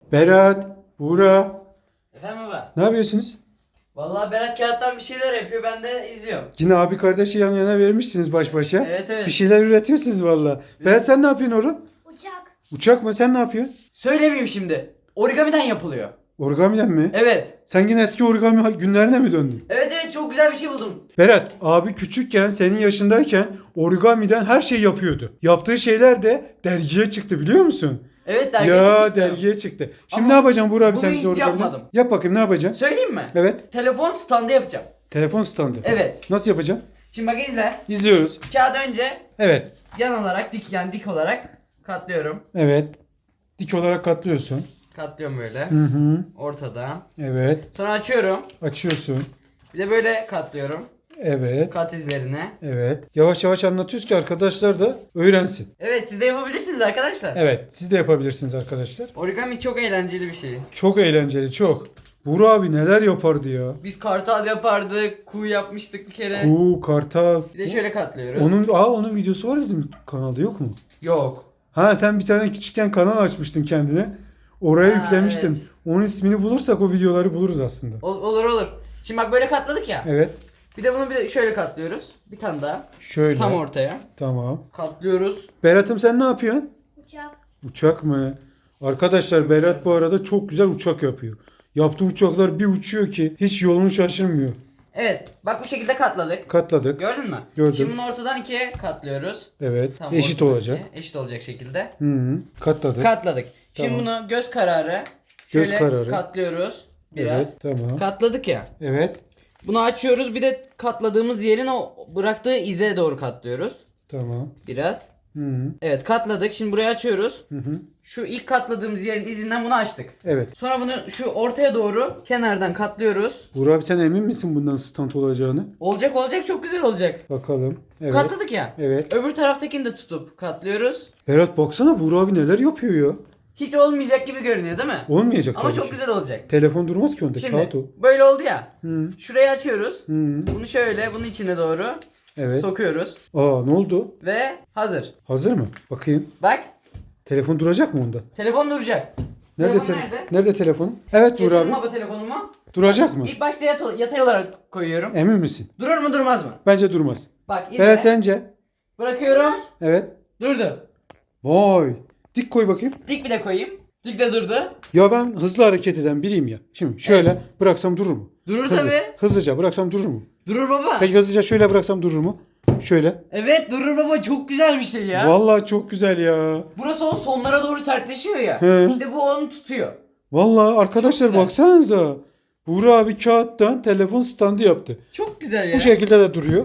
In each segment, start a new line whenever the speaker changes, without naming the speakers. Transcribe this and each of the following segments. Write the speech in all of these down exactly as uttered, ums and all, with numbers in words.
Berat, Buğra,
Efendim baba?
ne yapıyorsunuz?
Vallahi Berat kağıttan bir şeyler yapıyor, ben de izliyorum.
Yine abi kardeşi yan yana vermişsiniz baş başa.
Evet evet.
Bir şeyler üretiyorsunuz valla. Berat sen ne yapıyorsun oğlum?
Uçak.
Uçak mı? Sen ne yapıyorsun?
Söylemeyeyim şimdi. Origamiden yapılıyor.
Origamiden mi?
Evet.
Sen yine eski origami günlerine mi döndün?
Evet evet, çok güzel bir şey buldum.
Berat, abi küçükken, senin yaşındayken origamiden her şey yapıyordu. Yaptığı şeyler de dergiye çıktı biliyor musun?
Evet, dergiye
Ya
çıkmıştı.
dergiye çıktı. Şimdi
Ama
ne yapacaksın Buğra abi
bunu
sen
hiç
bize origamiden?
yapmadım.
Yap bakayım, ne yapacaksın?
Söyleyeyim mi?
Evet.
Telefon standı yapacağım.
Telefon standı.
Evet.
Nasıl yapacaksın?
Şimdi bak izle.
İzliyoruz.
Kağıdı önce
Evet.
yan olarak dik, yani dik olarak katlıyorum.
Evet. Dik olarak katlıyorsun.
Katlıyorum böyle.
Hı hı.
Ortadan.
Evet.
Sonra açıyorum.
Açıyorsun.
Bir de böyle katlıyorum.
Evet.
Kat izlerine.
Evet. Yavaş yavaş anlatıyoruz ki arkadaşlar da öğrensin.
Evet, siz de yapabilirsiniz arkadaşlar.
Evet. Siz de yapabilirsiniz arkadaşlar.
Origami çok eğlenceli bir şey.
Çok eğlenceli, çok. Buğra abi neler yapardı ya?
Biz kartal yapardık, kuğu yapmıştık bir kere.
Kuğu, kartal.
Bir de şöyle katlıyoruz.
Onun, aa onun videosu var bizim kanalda yok mu?
Yok.
Ha sen bir tane küçükken kanal açmıştın kendine. Oraya
Ha,
yüklemiştin.
evet.
Onun ismini bulursak o videoları buluruz aslında.
Ol- olur olur. Şimdi bak böyle katladık ya.
Evet.
Bir de bunu bir de şöyle katlıyoruz. Bir tane daha.
Şöyle.
Tam ortaya.
Tamam.
Katlıyoruz.
Berat'ım sen ne yapıyorsun?
Uçak.
Uçak mı? Arkadaşlar Berat bu arada çok güzel uçak yapıyor. Yaptığı uçaklar bir uçuyor ki hiç yolunu şaşırmıyor.
Evet. Bak bu şekilde katladık.
Katladık.
Gördün mü?
Gördüm.
Şimdi bunu ortadan ikiye katlıyoruz.
Evet.
Tam
Eşit
ortadan
olacak.
ikiye. Eşit olacak şekilde.
Hı hı. Katladık.
Katladık. Şimdi
Tamam.
bunu göz kararı
Göz
şöyle
kararı.
katlıyoruz. Biraz.
Evet. Tamam.
Katladık ya.
Evet.
Bunu açıyoruz. Bir de katladığımız yerin o bıraktığı ize doğru katlıyoruz.
Tamam.
Biraz.
Hı hı.
Evet, katladık. Şimdi burayı açıyoruz.
Hı hı.
Şu ilk katladığımız yerin izinden bunu açtık.
Evet.
Sonra bunu şu ortaya doğru kenardan katlıyoruz.
Burak abi sen emin misin bundan stand olacağını?
Olacak olacak, çok güzel olacak.
Bakalım. Evet.
Katladık ya.
Evet.
Öbür taraftakini de tutup katlıyoruz.
Berat baksana Burak abi neler yapıyor ya.
Hiç olmayacak gibi görünüyor değil mi?
Olmayacak
Ama
tabii
çok
ki.
güzel olacak.
Telefon durmaz ki onda.
Şimdi
Kağıt o.
böyle oldu ya.
Hı.
Şurayı açıyoruz.
Hı.
Bunu şöyle bunun içine doğru
Evet.
sokuyoruz.
Aa ne oldu?
Ve hazır.
Hazır mı? Bakayım.
Bak,
Telefon duracak mı onda?
telefon duracak.
Nerede
Telefon
te-
nerede?
Nerede telefon? Evet Burak
Getirdim
abi.
baba telefonumu.
Duracak mı?
İlk başta yat- yatay olarak koyuyorum.
Emin misin?
Durur mu durmaz mı?
Bence durmaz.
Bak izle.
Berat sence?
Bırakıyorum.
Evet.
Durdu.
Vay. Dik koy bakayım.
Dik bir de koyayım. Dik de durdu.
Ya ben hızlı hareket eden biriyim ya. Şimdi şöyle bıraksam durur mu?
Durur
Hızlı.
tabi.
Hızlıca bıraksam durur mu?
Durur baba.
Peki hızlıca şöyle bıraksam durur mu? Şöyle.
Evet durur baba, çok güzel bir şey ya.
Vallahi çok güzel ya.
Burası o sonlara doğru sertleşiyor ya.
He.
İşte bu onu tutuyor.
Vallahi arkadaşlar
güzel.
baksanıza. Buğra abi kağıttan telefon standı yaptı.
Çok güzel ya.
Bu şekilde de duruyor.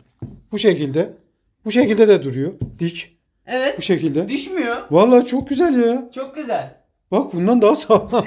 Bu şekilde. Bu şekilde de duruyor. Dik.
Evet.
Bu şekilde.
Düşmüyor.
Vallahi çok güzel ya.
Çok güzel.
Bak bundan daha sağlam.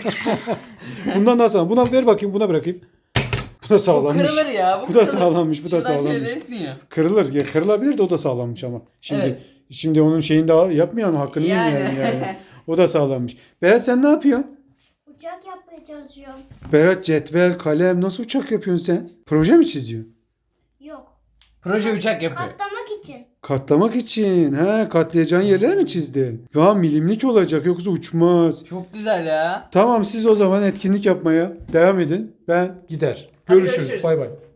bundan daha sağlam. Buna ver bakayım, buna bırakayım. Bu da
Bu
sağlammış.
kırılır ya.
Bu da
kırılır.
sağlammış, bu da
Şuradan
sağlammış.
şöyle esniyor.
Kırılır. Ya kırılabilir de o da sağlammış ama. Şimdi
Evet.
şimdi onun şeyini daha yapmayalım, hakkını
Yani.
yemeyelim yani. O da sağlammış. Berat sen ne yapıyorsun?
Uçak yapmaya çalışıyorum.
Berat cetvel, kalem nasıl uçak yapıyorsun sen? Proje mi çiziyorsun?
Yok.
Proje uçak yapıyor.
Katlamak için.
Katlamak için. He, katlayacağın yerler mi çizdin? Ya milimlik olacak yoksa uçmaz.
Çok güzel ya.
Tamam siz o zaman etkinlik yapmaya devam edin. Ben gider.
Hadi
Görüşürüz.
görüşürüz.
Bay bay.